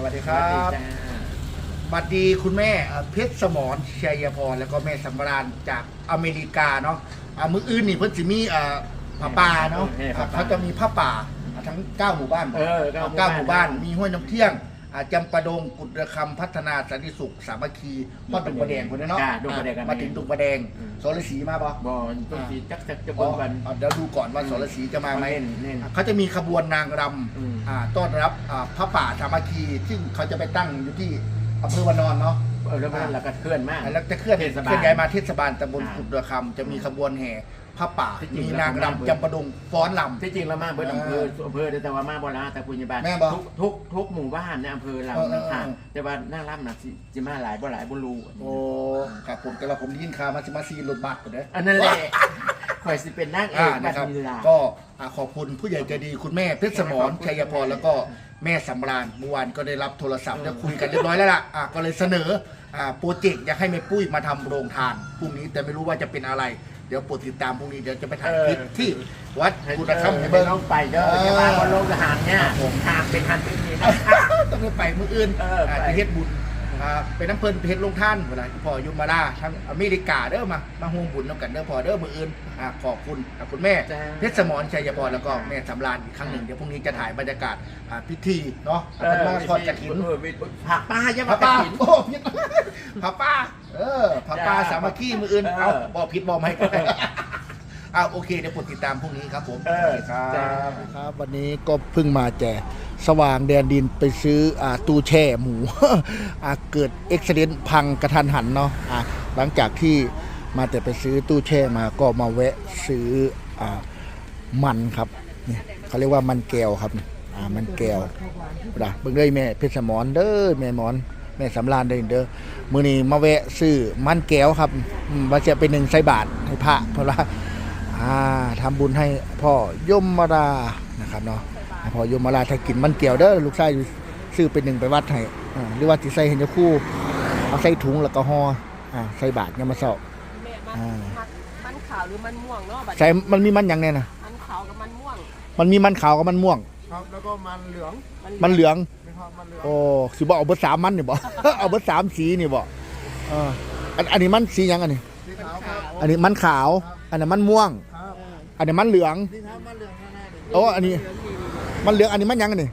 วัสดีครับบัดดีคุณแม่เพชรสมรชัยพรแล้วก็แม่สำราญจากอเมริกาเนาะมื้ออื่นนี่เพิ่นสิมีผ้าป่าเนาะเขาจะมีผ้าป่าทั้ง9หมู่บ้าน9หมู่บ้านมีห้วยน้ำเที่ยงจำปาดงกุฎระคำพัฒนาสันติสุขสามัคคีพ่อดุงประแดงคนนี้เนาะมาถึงดุงประแดงสรศรีมาบ่ดุงศรีจักจะบนวันเดี๋ยวดูก่อนว่าสรศรีจะมาไหมเขาจะมีขบวนนางรำต้อนรับพระป่าสามัคคีซึ่งเขาจะไปตั้งอยู่ที่อำเภอวานอนเนาะแล้วก็เคลื่อนมากแล้วจะเคลื่อนย้ายมาเทศบาลตำบลกุฎระคำจะมีขบวนแห่พระป่ามีนางรำจำปาดงฟ้อนรำที่จริงแล้วมาเบิร์ดอำเภอแต่ว่ามาโบราณแต่ปุญญาบาลทุกหมู่บ้านในอำเภอเราค่ะแต่ว่านางรำน่ะจิมาหลายบุรูโอ้ครับผมแต่ว่าผมยินข่าวมาจิมาซีรถบัสก่อนเด้ออันนั้นแหละคอยสิเป็นนางเอกนะครับก็ขอบคุณผู้ใหญ่ใจดีคุณแม่เพชรสมรชัยพรแล้วก็แม่สำราญเมื่อวานก็ได้รับโทรศัพท์แล้วคุยกันเรียบร้อยแล้วล่ะก็เลยเสนอโปรเจกต์อยากให้แม่ปุ้ยมาทำโรงทานพรุ่งนี้แต่ไม่รู้ว่าจะเป็นอะไรเดี๋ยวโปรดติดตามพรุ่งนี้เดี๋ยวจะไปถ่ายคลิปที่วัดกุฎระคำเบอร์ต้องไปเด้อจะมาบนโรงทหารเนี่ยทางเป็นทันทีนะครับต้องไปมื้ออื่นไปเฮ็ดบุญเป็นน้ำเพลินเพชรลงท่านเวลาพ่อยุมาลาทั้งอเมริกาเด้อมาห่วงบุญน้ำกันเด้อพ่อเด้อมื้ออื่นขอบคุณคุณแม่เพชรสมรชัยพรแล้วก็แม่สำราญอีกครั้งหนึ่งเดี๋ยวพรุ่งนี้จะถ่ายบรรยากาศพิธีเนาะมาทอดกฐินผักป้ายังผักป้าโอ้พิษผักป้าผักป้าสามัคคีมื้ออื่นเอาบ่พิษบ่ไม่โอเคเดี๋ยวกดติดตามพรุ่งนี้ครับผมครับวันนี้ก็เพิ่งมาแจกสว่างแดนดินไปซื้อตู้แช่หมูเกิดเอ็กซิเดนต์พังกระทันหันเนาะหลังจากที่มาแต่ไปซื้อตู้แช่มาก็มาแวะซื้อมันครับนี่เขาเรียกว่ามันแก้วครับมันแก้วเบิ่งเลยแม่เพชรสมรเด้อแม่หมอนแม่สำราญเด้อมื้อนี้มาแวะซื้อมันแก้วครับว่าจะเป็น1 ใส่บาทให้พระเพราะว่าทำบุญให้พ่อยมรานะครับเนาะพ่อยมราถ้ากินมันเกี่ยวเด้อลูกชายซื้อเป็น1ไปวัดให้หรือว่าที่ใส่เห็นจะคู่เอาใส่ถุงแล้วก็ห่อใส่บาทเนี่ยมาเสาะมันขาวหรือมันม่วงเนาะใส่มันมีมันอย่างเนี้ยนะมันขาวกับมันม่วงมันมีมันขาวกับมันม่วงครับแล้วก็มันเหลืองโอ้สิบ่เอาเบอร์3มันนี่บ่ เอาเบอร์3สีนี่บ่อันนี้มันสียังอันนี้สีขาวครับอันนี้มันขาวอันนั้นมันม่วงอันนี้มันเหลืองโอ้อันนี้มันเหลืองอันนี้มันยังอันนี้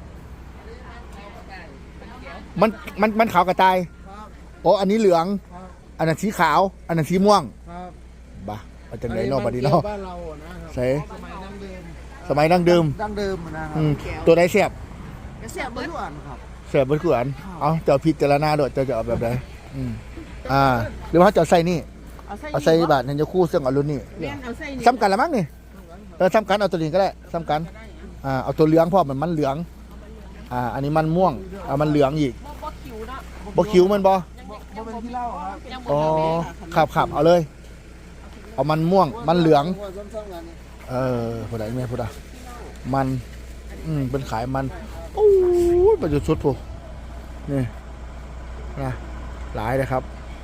มันขาวกระต่ายโอ้อันนี้เหลืองอันนั้นสีขาวอันนั้นสีม่วงบ้าอาจารย์ไหนนอกบัดนี้เนาะใส่สมัยดั้งเดิมนะครับตัวไหนเสียบเบิร์ดครับเสียบเบิร์ดขวานเอาเจ้าพิจารณาด้วยเจ้าจะเอาแบบไหนหรือว่าเจ้าใส่นี่เอาใส่บาทเห็นจะคู่เสื้อกับรุ่นนี่ซ้ำกันละมั้งนี่ซ้ำกันเอาตัวนี้ก็ได้ซ้ำกันเอาตัวเหลืองพ่อมันเหลืองอันนี้มันม่วงมันเหลืองอีกบ่คิวมันบ่เป็นที่เล่าครับอ๋อขับเอาเลยเอามันม่วงมันเหลืองผู้ใดแม่ผู้ใดมันเป็นขายมันโอ้ยประจุชุดผู้นี่นะหลายเลยครับ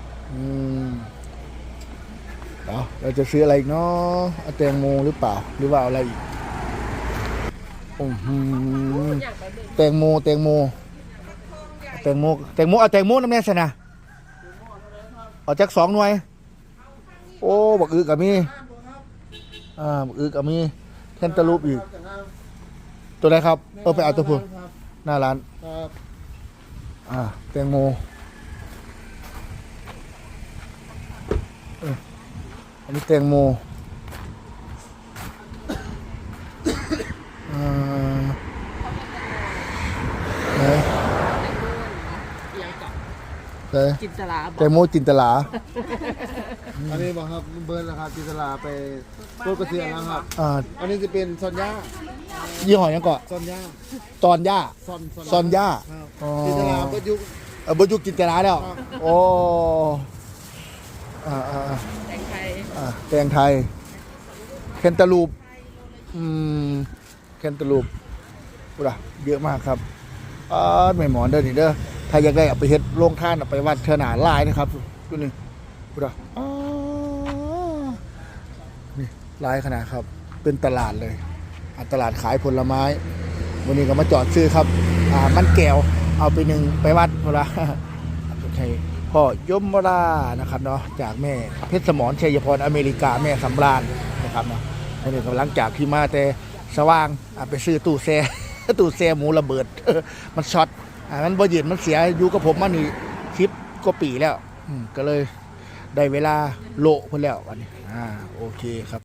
เราจะซื้ออะไรอีกเนาะแตงโมหรือเปล่าหรือว่าอะไรอีกแตงโมเอาแตงโมน้ำแน่สินะเอาจาก2 หน่วยโอ้บักอึกับมีบักอึกับมีแคนตาลูปอีกตัวไหนครับไปเอาตัวพูนหน้าร้านแตงโมอันนี้แตงโมจินตลาแตงโมจินตลาอันนี้บอกครับเบิร์นราคาจินตลาไปโคตรกระเทียมแล้วครับอันนี้จะเป็นซอนย่ายี่ห้อยังก่อนซอนย่าซอนย่าจินตลาบยุกจินตลาแล้วโอ้แตงไทยแคนตาลูปเยอะมากครับไม่หมอนเด้อนี่เด้อถ้าอยากได้เอาไปเฮ็ดโรงทานเอาไปวัดเทนาลายนะครับตัวนี้นี่ลายขนาดครับเป็นตลาดเลยตลาดขายผลไม้วันนี้ก็มาจอดซื้อครับมันแก้วเอาไปหนึ่งไปวัดเพราะว่าใช่พ่อยมรานะครับเนาะจากแม่เพชรสมรชัยพรอเมริกาแม่สำราญนะครับเนาะนี่กำลังจากที่มาแต่สว่างไปซื้อตู้แช่ ตู้แช่หมูระเบิด มันช็อตมันบ่ยืนมันเสียอยู่กับผมมานี่10 กว่าปีแล้วก็เลยได้เวลาโละเพิ่นแล้ววันนี้โอเคครับ